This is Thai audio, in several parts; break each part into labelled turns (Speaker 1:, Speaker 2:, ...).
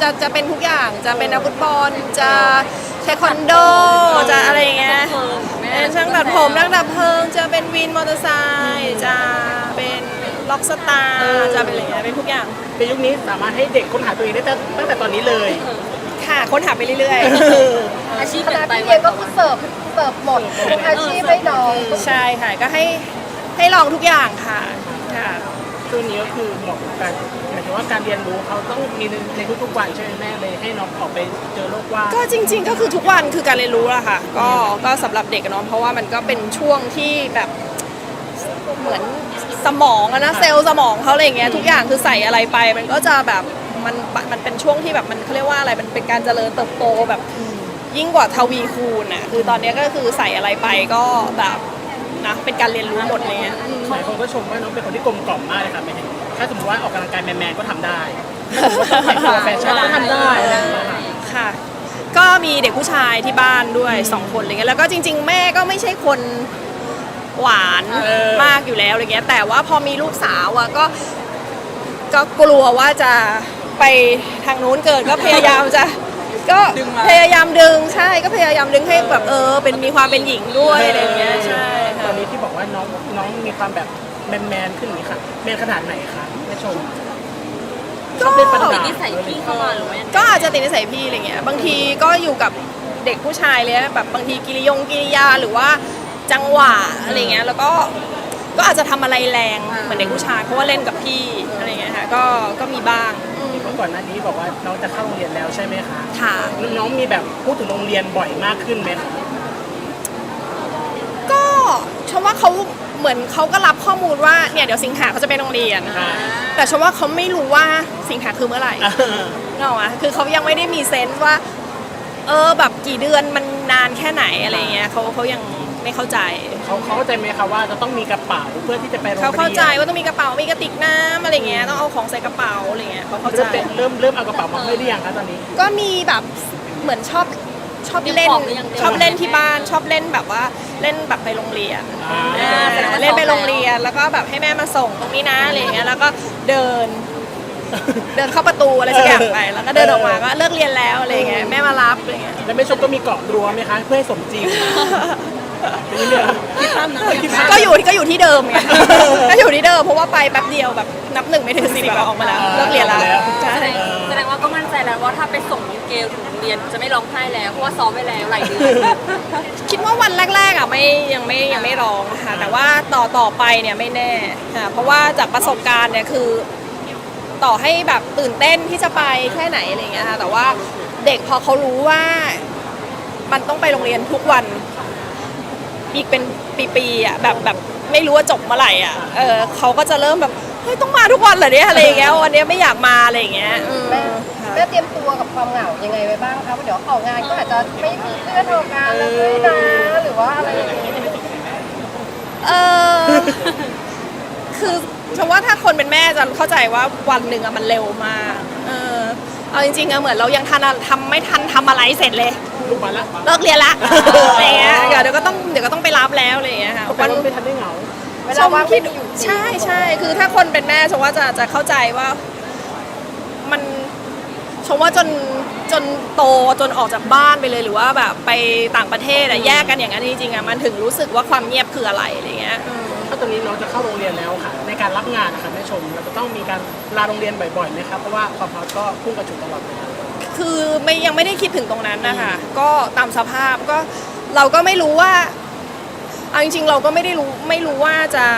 Speaker 1: จะเป็นทุกอย่างจะเป็นนักฟุตบอลจะเทควันโดจะอะไรอย่างเงี้ยเป็นช่างตัดผมนักดับเพลิงจะเป็นวินมอเตอร์ไซค์จะเป็นล็อกสตาร์จะเป็นอะไรเงี้ยเป็นทุกอย่าง
Speaker 2: ในยุคนี้สามารถให้เด็กค้นหาตัวเองได้ตั้งแต่ตอนนี้เลย
Speaker 1: ค่ะค้นหาไปเรื่อย
Speaker 3: ๆอาชีพขณะที่เรียนก็คือเสิร์ฟหมดทุกอาชีพให้น้อง
Speaker 1: ใช่ค่ะก็ให้ลองทุกอย่างค่ะ
Speaker 2: ช่วงนี้ก็คือเหมาะกับการหมายถึงว่าการเรียนรู้เขาต้องมีในทุกๆวันใช่ไหมแม่เลยให้น้องออกไปเจอโลกกว้าง
Speaker 1: ก็จริงๆก็คือทุกวันคือการเรียนรู้อะค่ะก็สำหรับเด็กเนาะเพราะว่ามันก็เป็นช่วงที่แบบเหมือนสมองนะเซลล์สมองเขาอะไรอย่างเงี้ยทุกอย่างคือใส่อะไรไปมันก็จะแบบมันเป็นช่วงที่แบบมันเขาเรียกว่าอะไรมันเป็นการเจริญเติบโตแบบยิ่งกว่าทวีคูณอะคือตอนนี้ก็คือใส่อะไรไปก็แบบนะเป็นการเรียนรู้หมดเลย
Speaker 2: หลายคนก็ชมว่าน้องเป็นคนที่กลมกล่อมมากเลยค่ะแม่ถ้าสมมติว่าออกกำลังกายแมนๆก็ทำได้แฟชั่นก็ทำได้
Speaker 1: ค่ะก็มีเด็กผู้ชายที่บ้านด้วย2คนอะไรเงี้ยแล้วก็จริงๆแม่ก็ไม่ใช่คนหวานมากอยู่แล้วอะไรเงี้ยแต่ว่าพอมีลูกสาวอะก็กลัวว่าจะไปทางนู้นเกิดก็พยายามจะก็พยายามดึงใช่ก็พยายามดึงให้แบบเป็นมีความเป็นหญิงด้วยอะไรเงี้ยใช่
Speaker 2: ตอนนี้ที่บอกว่าน้องมีความแบบแมนขึ้นนี้ค่ะแมนขนาดไหนคะแม่ชม
Speaker 3: ก็ติดนิสัยพี่เข้ามาหรือว่า
Speaker 1: ก็อาจจะติดนิสัยพี่อะไรเงี้ยบางทีก็อยู่กับเด็กผู้ชายเลยแบบบางทีกิริยาหรือว่าจังหวะอะไรเงี้ยแล้วก็อาจจะทำอะไรแรงเหมือนเด็กผู้ชายเพราะว่าเล่นกับพี่อะไรเงี้ยค่ะก็มีบ้าง
Speaker 2: เมื่อก่อนหน้านี้บอกว่าน้องจะเข้าโรงเรียนแล้วใช่ไหมคะ
Speaker 1: ค่ะ
Speaker 2: น้องมีแบบพูดถึงโรงเรียนบ่อยมากขึ้นไหมคะ
Speaker 1: ก็ชมว่าเขาเหมือนเขาก็รับข้อมูลว่าเนี่ยเดี๋ยวสิงหาเขาจะไปโรงเรียนแต่ชมว่าเขาไม่รู้ว่าสิงหาคือเมื่อไหร่เนอะคือเขายังไม่ได้มีเซนส์ว่าแบบกี่เดือนมันนานแค่ไหนอะไรเงี้ยเขายังไม่เข้าใจ
Speaker 2: เขาเข้าใจไหมคะว่าจะต้องมีกระเป๋าเพื่อที่จะไปโรงเรียน
Speaker 1: เขาเข้าใจว่าต้องมีกระเป๋ามีกระติกน้ำอะไรเงี้ยต้องเอาของใส่กระเป๋าอะไรเงี้ยเขาเข้าใจ
Speaker 2: เริ่มเอากระเป๋ามาให้หรือยังคะตอนนี้
Speaker 1: ก็มีแบบเหมือนชอบเล่นที่บ้านชอบเล่นแบบว่าเล่นแบบไปโรงเรียนเล่นไปโรงเรียนแล้วก็แบบให้แม่มาส่งตรงนี้นะอะไรเงี้ยแล้วก็เดินเข้าประตูอะไรสักอย่างไปแล้วก็เดินออกมาก็เลิกเรียนแล้วอะไรเงี้ยแม่มารับอะไรเงี้ย
Speaker 2: แล้วแม่ชมก็มีเกาะรั้วไหมคะเพื่อให้สมจริง
Speaker 1: ก็อยู่ที่เดิมไงก็อยู่ที่เดิมเพราะว่าไปแป๊บเดียวแบบนับ1ไม่ถึง10ออกมาแล้วเลิกเรียนแล้ว
Speaker 3: แสดงว่าก็มั่นใจแล้วว่าถ้าไปส่งเกลถึงโรงเรียนจะไม่ร้องไห้แล้วเพราะว่าซ้อมไว้แล้วหลายเดือน
Speaker 1: คิดว่าวันแรกๆอ่ะยังไม่ร้องค่ะแต่ว่าต่อไปเนี่ยไม่แน่ค่ะเพราะว่าจากประสบการณ์เนี่ยคือต่อให้แบบตื่นเต้นที่จะไปแค่ไหนอะไรเงี้ยค่ะแต่ว่าเด็กพอเขารู้ว่ามันต้องไปโรงเรียนทุกวันอีกเป็นปีๆอ่ะแบบไม่รู้ว่าจบเมื่อไหร่อ่ะเขาก็จะเริ่มแบบเฮ้ยต้องมาทุกวันเหรอเนี่ยอะไรอย่างเงี้ยวันนี้ไม่อยากมาอะไรอย่างเงี้ย
Speaker 3: แม่เตรียมตัวกับความเหงายังไงไว้บ้างคะว่าเดี๋ยวออกงานก็อาจจะไม่มีเพื่อนออกงานเลยนะหรือว่าอะไรอย่างเงี้ย
Speaker 1: คือฉันว่าถ้าคนเป็นแม่จะเข้าใจว่าวันหนึ่งอะมันเร็วมากเอาจริงๆอะเหมือนเรายังไม่ทันทำอะไรเสร็จเลยเลิกเรียนละอะไรเงี้ยเดี๋ยวก็ต้องไปรับแล้วอะไรเงี้ยค่ะ
Speaker 2: วันไม่ทันได้เหงา
Speaker 1: ชมคิดใช่คือถ้าคนเป็นแม่ชมว่าจะเข้าใจว่ามันชมว่าจนโตจนออกจากบ้านไปเลยหรือว่าแบบไปต่างประเทศอะแยกกันอย่างนั้นจริงๆอะมันถึงรู้สึกว่าความเงียบคืออะไรอะไรเงี้ย
Speaker 2: ถ้าตอนนี้น้องจะเข้าโรงเรียนแล้วค่ะในการรับงานนะคะแม่ชมเราจะต้องมีการลาโรงเรียนบ่อยๆไหมครับเพราะว่าความฮอตก็พุ่งกระฉูดตลอดเลย
Speaker 1: คือยังไม่ได้คิดถึงตรงนั้นนะคะก็ตามสภาพก็เราก็ไม่รู้ว่าเอาจริงๆเราก็ไม่รู้ว่าจะ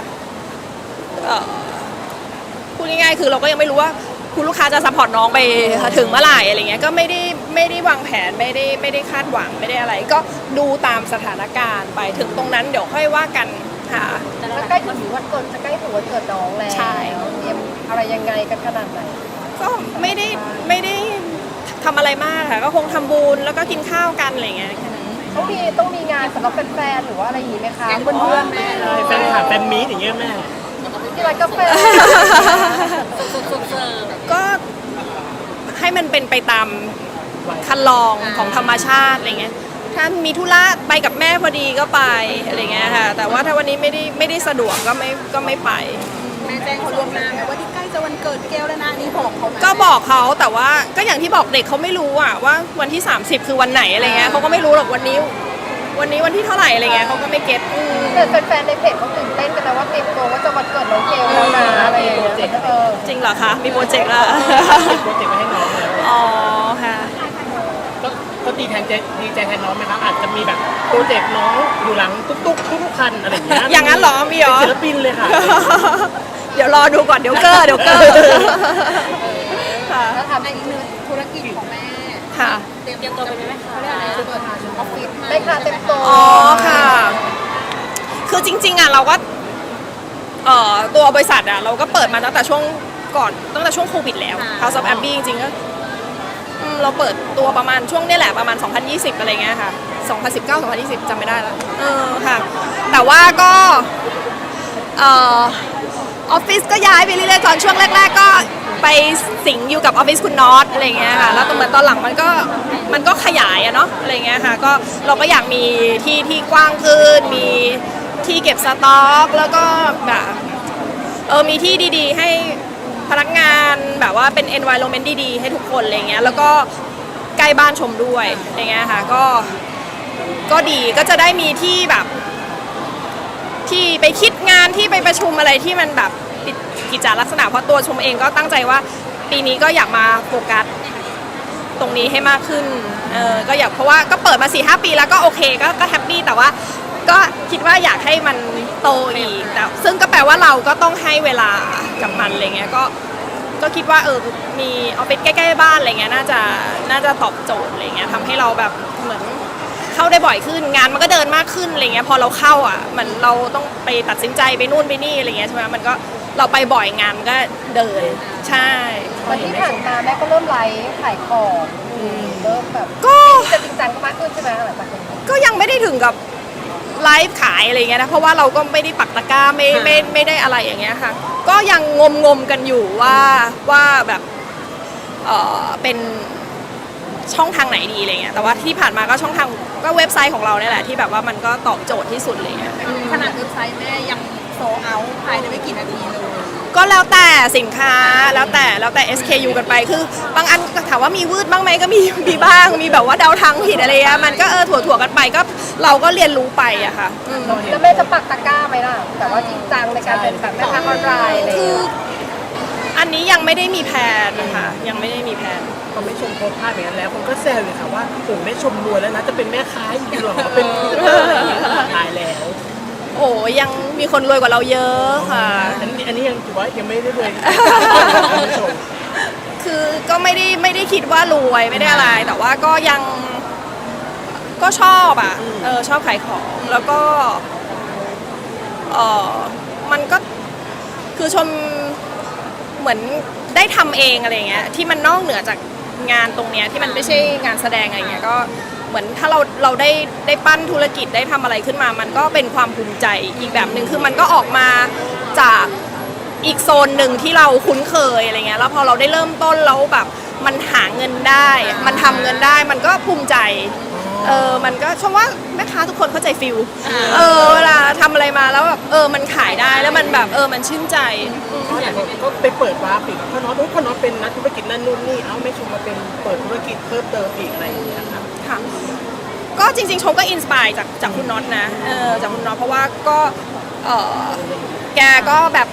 Speaker 1: พูดง่ายๆคือเราก็ยังไม่รู้ว่าคุณลูกค้าจะซัพพอร์ตน้องไปถึงเมื่อไหร่อะไรเงี้ยก็ไม่ได้วางแผนไม่ได้คาดหวังไม่ได้อะไรก็ดูตามสถานการณ์ไปถึงตรงนั้นเดี๋ยวค่อยว่ากันค่ะ
Speaker 3: แต่ใกล้ถึงวันเกิดจะใกล้ถึงวันเกิดน้องแล้ว
Speaker 1: ใช่
Speaker 3: เตรียมอะไรยังไงกันขนาดไหน
Speaker 1: ก็ไม่ได้ทำอะไรมากค่ะก็คงทำบุญแล้วก็กินข้าวกันอะไรเงี้ยแค่นั้น
Speaker 3: ต้องมีงานสำหรับแฟนๆหรือว่าอะไรอย่างนี้ไหมคะเพื่อนๆแม่
Speaker 2: แฟนคลับแฟนมีตอย่างเงี้ยแม่
Speaker 3: ที่ร้านกาแฟ
Speaker 1: ก็ให้มันเป็นไปตามคันลองของธรรมชาติอะไรเงี้ยถ้ามีธุระไปกับแม่พอดีก็ไปอะไรเงี้ยค่ะแต่ว่าถ้าวันนี้ไม่ได้สะดวกก็ไม่ไป
Speaker 3: แม่แจ้งเขาล่วงหน้าไหมว่าที่ใกล้จะวันเกิดแก้วแล้วนะนี่บอกเขา
Speaker 1: ก็บบอกเขาแต่ว่าก็อย่างที่บอกเด็กเขาไม่รู้อะว่าวันที่ 30 คือวันไหนอะไรเงี้ยเขาก็ไม่รู้หรอกวันนี้วันที่เท่าไหร่อะไรเงี้ยเขาก็ไม่เก็ต
Speaker 3: แต่แฟนๆในเพจเขาตื่นเต้นกันนะว่าเตรียมตัวว่าจะวันเกิดน้องเกลแล้วนะอะไรอย่างเงี้ย
Speaker 1: จริงเหรอคะมีโปรเจกต์ละ
Speaker 2: มีโปรเจกต์ไว้ให้น้องแล้ว
Speaker 1: อ๋อค่ะ
Speaker 2: ก็ดีใจแทนน้องไหมครับอาจจะมีแบบโปรเจกต์น้องอยู่หลังตุ๊กทุกคันอะไรอย่างเงี้ย
Speaker 1: อย่างนั้นเหรอมีเหรอ
Speaker 2: เป็นศิลปินเลยค่ะ
Speaker 1: เดี๋ยวรอดูก่อนเดี๋ยวเกอร์ค่ะ
Speaker 3: แล้วทำอีกหนึ่งธุรกิจของแม่
Speaker 1: ค่ะ
Speaker 3: เตรียมตัวเป็นแม่ค้าเปิดออฟฟิศแม่ค้าเต็มตัว
Speaker 1: อ๋อค่ะ คือจริงๆอ่ะเราก็ตัวบริษัทอ่ะเราก็เปิดมาตั้งแต่ช่วงโควิดแล้ว House of Abbey จริงๆก็เราเปิดตัวประมาณช่วงนี้แหละประมาณ 2020 อะไรเงี้ยค่ะ 2019 2020 จำไม่ได้แล้วค่ะ แต่ว่าก็ออฟฟิศก็ย้ายไปเรื่อยๆตอนช่วงแรกๆก็ไปสิงอยู่กับออฟฟิศคุณน็อตอะไรเงี้ยค่ะแล้วเหมือนตอนหลังมันก็ขยายอะเนาะอะไรเงี้ยค่ะก็เราก็อยากมีที่กว้างขึ้นมีที่เก็บสต็อกแล้วก็แบบมีที่ดีๆให้พนักงานแบบว่าเป็น environment ดีๆให้ทุกคนอะไรเงี้ยแล้วก็ใกล้บ้านชมด้วยอะไรเงี้ยค่ะก็ดีก็จะได้มีที่แบบที่ไปคิดงานที่ไปประชุมอะไรที่มันแบบกิจลักษณะเพราะตัวชมเองก็ตั้งใจว่าปีนี้ก็อยากมาโฟกัสตรงนี้ให้มากขึ้นก็อยากเพราะว่าก็เปิดมา 4-5 ปีแล้วก็โอเคก็แฮปปี้แต่ว่าก็คิดว่าอยากให้มันโตอีกแต่ซึ่งก็แปลว่าเราก็ต้องให้เวลากับมันอะไรเงี้ยก็คิดว่ามีออฟฟิศใกล้ๆบ้านอะไรเงี้ยน่าจะตอบโจทย์อะไรเงี้ยทำให้เราแบบเหมือนเข้าได้บ่อยขึ้นงานมันก็เดินมากขึ้นอะไรเงี้ยพอเราเข้าอ่ะมันเราต้องไปตัดสินใจไปนู่นไปนี่อะไรเงี้ยใช่ไหมมันก็เราไปบ่อยงานมันก็เดินใช่
Speaker 3: วันที่ผ่านมาแม่ก็เริ่มไลฟ์ขายของเริ่มแบบ
Speaker 1: ก็
Speaker 3: จะจริงจังมากขึ้นใช่ไหมหลังจากนี้
Speaker 1: ก็ยังไม่ได้ถึงกับไลฟ์ขายอะไรเงี้ยนะเพราะว่าเราก็ไม่ได้ปักตะกร้าไม่ได้อะไรอย่างเงี้ยค่ะก็ยังงมกันอยู่ว่าแบบเป็นช่องทางไหนดีอะไรเงี้ยแต่ว่าที่ผ่านมาก็ช่องทางก็เว็บไซต์ของเราเนี่ยแหละที่แบบว่ามันก็ตอบโจทย์ที่สุดเลย
Speaker 3: ขนาดเว็บไซต์แม่ยังโซเอาภายในไม่กี่นาทีเลย
Speaker 1: ก็แล้วแต่สินค้าแล้วแต่ SKU กันไปคือบางอันถามว่ามีวืดบ้างไหมก็มีบ้างมีแบบว่าเดาทางผิดอะไรอะมันก็ถั่วกันไปก็เราก็เรียนรู้ไปอะค่ะ
Speaker 3: แล้วแม่จะปักตะกร้าไหมล่ะแต่ว่าจริงจังในการเป็นแบบแม่ค้าออนไลน์อะไรอย่าง
Speaker 1: คือ
Speaker 3: เงี้ย
Speaker 1: อันนี้ยังไม่ได้มีแผนนะคะยังไม่ได้มีแผน
Speaker 2: พอแม่ชมโพสต์ภาพอย่างนั้นแล้วคนก็แซวเลยค่ะว่าโอ้แม่ชมรวยแล้วนะจะเป็นแม่ค้าอีกหรอเป็นอะไรอย่างเงี้ยตายแล้ว
Speaker 1: โอ้ยังมีคนรวยกว่าเราเยอะค่ะ
Speaker 2: อันนี้ยังถือว่ายังไม่ได้รวยแม่ชม
Speaker 1: คือก็ไม่ได้คิดว่ารวยไม่ได้อะไร แต่ว่าก็ยังก็ชอบอ่ะชอบขายของแล้วก็มันก็คือชมเหมือนได้ทำเองอะไรเงี้ยที่มันนอกเหนือจากงานตรงเนี้ยที่มันไม่ใช่งานแสดงอะไรเงี้ยก็เหมือนถ้าเราได้ปั้นธุรกิจได้ทำอะไรขึ้นมา มันก็เป็นความภูมิใจอีกแบบหนึ่งคือมันก็ออกมาจากอีกโซนหนึ่งที่เราคุ้นเคยอะไรเงี้ยแล้วพอเราได้เริ่มต้นแล้วแบบมันหาเงินได้มันทำเงินได้มันก็ภูมิใจมันก็ชมว่าแม่ค้าทุกคนเข้าใจฟิลเวลาทำอะไรมาแล้วแบบมันขายได้แล้วมันแบบมันชื่นใจ
Speaker 2: ก็ไปเปิดวาร์ปอีกพ่อน็อตเป็นนักธุรกิจนั่นนู่นนี่เอาไม่ชมมาเป็นเปิดธุรกิจเพิ่มเติมอีกอะไรอย่างเงี้ยครับ
Speaker 1: ค่ะก็จริงๆชมก็อินสปายจากคุณน็อตนะจากคุณน็อตเพราะว่าก็แกก็แบบ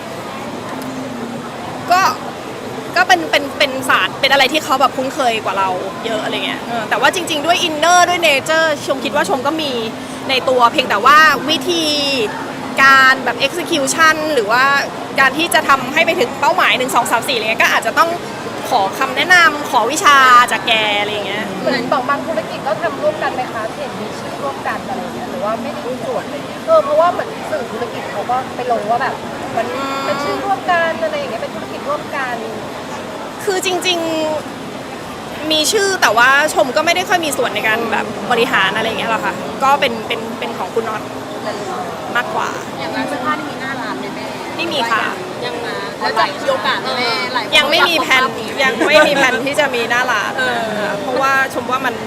Speaker 1: ก็เป็นศาสตร์เป็นอะไรที่เขาแบบคุ้นเคยกว่าเราเยอะอะไรเงี้ยแต่ว่าจริงๆด้วยอินเนอร์ด้วยเนเจอร์ชมคิดว่าชมก็มีในตัวเพียงแต่ว่าวิธีการแบบ execution หรือว่าการที่จะทำให้ไปถึงเป้าหมาย1 2 3 4อะไรเงี้ยก็อาจจะต้องขอคำแนะนำขอวิชาจากแกอะไรเงี้ย
Speaker 3: เหมือนบางธุรกิจก็ทำร่วมกันไหมคะเห็นมีชื่อร่วมกันอะไรอย่างเงี้ยหรือว่าไม่ได้มีส่วนอะไรเงี้ยเพราะว่าเหมือนสื่อธุรกิจเขาก็ไปลงว่าแบบมันเป็นชื่อร่วมกันอะไรอย่างเงี้ยเป็นธุรกิจร่วมกัน
Speaker 1: คือจริงๆมีชื่อแต่ว่าชมก็ไม่ได้ค่อยมีส่วนในการแบบบริหารอะไรอย่างเงี้ยหรอกค่ะก็เป็นของคุณน็อตมากกว่า
Speaker 3: อย่างร้านเสื้อผ้าที่มีหน้าร้านไหมแม่
Speaker 1: ไม่มีค่ะ
Speaker 3: ยังมาแล้วจะมีโอกาสแม่หลายคน
Speaker 1: ยังไม่มีแผนที่จะมีหน้าร้านเพราะว่าชมว่ามัน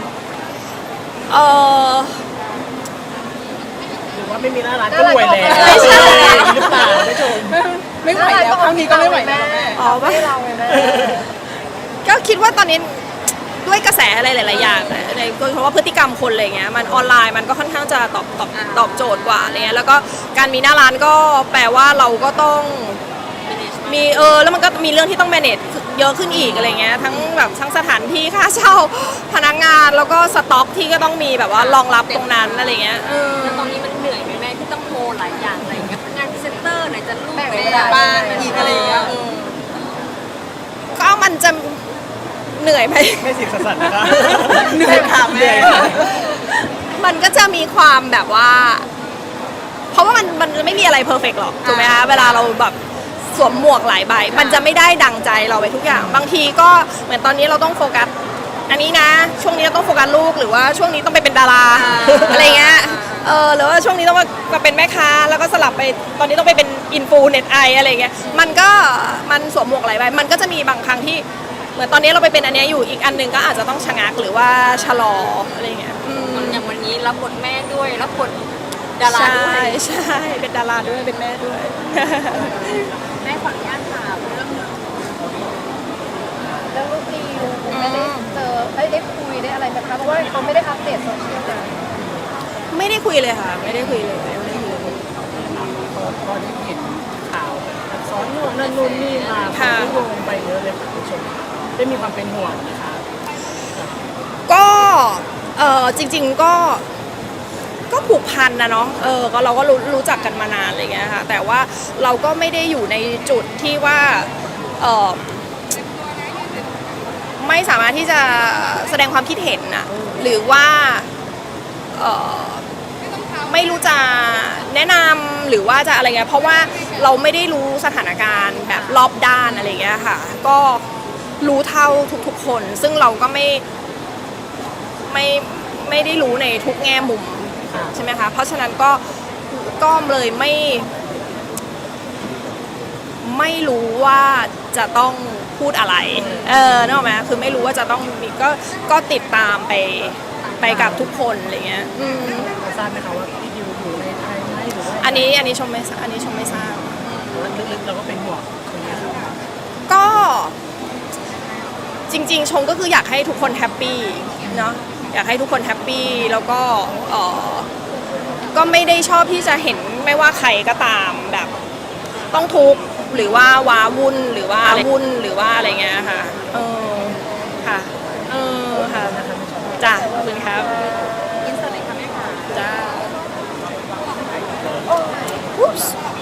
Speaker 2: หรือว่าไม่มีหน้าร้านก็รวยแล้วหรือเปล่าแม่ชม
Speaker 3: ไม่ไหวแล้วครั้งนี้ก็ไม่ไหวแล้ว
Speaker 1: อ๋อว่า
Speaker 3: ให้เราไงแม่
Speaker 1: อนนี้ด้วยกระแสอะไรหลายๆอย่างนะในโดยเฉพาะพฤติกรรมคนอะไรเงี้ยมันออนไลน์มันก็ค่อนข้างจะตอบโจทย์กว่าอะไรเงี้ยแล้วก็การมีหน้าร้านก็แปลว่าเราก็ต้องมีแล้วมันก็มีเรื่องที่ต้อง manage เยอะขึ้นอีกอะไรเงี้ยทั้งสถานที่ค่าเช่าพนักงานแล้วก็สต็อกที่ก็ต้องมีแบบว่ารองรับตรงนั้นอะไรเงี้ย
Speaker 4: แล้วตอนนี้มันเหนื่อยไหมแม่ที่ต้องโฮหลายอย่างอะไรอย่างเงี้ยงานพรีเซนเตอร์ไหนจะลูก
Speaker 3: แบ่ง
Speaker 4: ไหน
Speaker 3: เว
Speaker 4: จะ
Speaker 3: ลา
Speaker 4: บ้านอีกอะไรอย่างเงี้ย
Speaker 1: ก็มันจะเหนื่อยไหม
Speaker 2: ไม่สิสันนะคะ
Speaker 4: เหนื่อยค่ะ
Speaker 2: เหนื่
Speaker 4: แม่
Speaker 2: อยค่ะ
Speaker 1: มันก็จะมีความแบบว่า เพราะว่ามันไม่มีอะไรเพอร์เฟกต์หรอกถูกไหมคะเวลาเราแบบสวมหมวกหลายใบมันจะไม่ได้ดังใจเราไปทุกอย่าง บางทีก็เหมือนตอนนี้เราต้องโฟกัสอันนี้นะ ช่วงนี้เราต้องโฟกัสลูกหรือว่าช่วงนี้ต้องไปเป็นดาราอะไรเงี้ยหรือว่าช่วงนี้ต้องมาเป็นแม่ค้าแล้วก็สลับไปตอนนี้ต้องไปเป็นอินฟูเน็ตไออะไรเงี้ยมันสวมหมวกหลายใบมันก็จะมีบางครั้งที่เหมือนตอนนี้เราไปเป็นอันเนี้ยอยู่อีกอันหนึงก็อาจจะต้องชะงักหรือว่าชะลออะไรเงี้ย
Speaker 4: อย่างวันนี้รับบทแม่ด้วยรับบทดาราด้วย
Speaker 1: ใช่เป็นดาราด้วยเป็นแม่ด้วย
Speaker 4: แม่ขออนุญาตถามเรื่อง
Speaker 3: แล้วลูกดีไม่ได้เจอได้คุยได้อะไรไหมคะเพราะว่าเขาไม่ได้อัปเดตโซเชียลเลย
Speaker 1: ไม่ได้คุยเลยค่ะ ไม่ได้คุยเลยไม่ได้คุยเลย
Speaker 2: พอที่เห็นข่าวซ้อนนู่นนั่นนู่นนี่มา
Speaker 1: ค่ะ
Speaker 2: โยงไปเยอะเลยค่ะคุณผู้ชมได้มีความเป็นห่วงนะคะ
Speaker 1: ก็จริงๆก็ผูกพันนะเนาะก็เราก็รู้จักกันมานานอะไรเงี้ยค่ะแต่ว่าเราก็ไม่ได้อยู่ในจุดที่ว่าไม่สามารถที่จะแสดงความคิดเห็นนะหรือว่าไม่รู้จะแนะนำหรือว่าจะอะไรเงี้ยเพราะว่าเราไม่ได้รู้สถานการณ์แบบรอบด้านอะไรเงี้ยค่ะก็รู้เท่าทุกๆคนซึ่งเราก็ไม่ได้รู้ในทุกแง่มุมใช่ไหมคะเพราะฉะนั้นก็เลยไม่รู้ว่าจะต้องพูดอะไรนึกออกไหมคือไม่รู้ว่าจะต้องมีก็ติดตามไปกับทุกคนอะไรเงี้ย
Speaker 2: เราทราบไหมคะว่าพี่ดิวอยู่ในไทยไหมหรือว่า
Speaker 1: อันนี้ชมไม่ทราบ
Speaker 2: ลึกๆเราก็เป็นห่วงคนนี้ครับ
Speaker 1: ก็จริงๆชมก็คืออยากให้ทุกคนแฮปปี้เนาะอยากให้ทุกคนแฮปปี้แล้วก็ไม่ได้ชอบที่จะเห็นไม่ว่าใครก็ตามแบบต้องทุกข์หรือว่าว้าวุ่นหรือว่าอะไรเงี้ยค่ะค่ะค่ะจ้ะขอบคุณครับ
Speaker 4: อินสตาแกรมค่ะแม่ค่ะ
Speaker 1: จ้า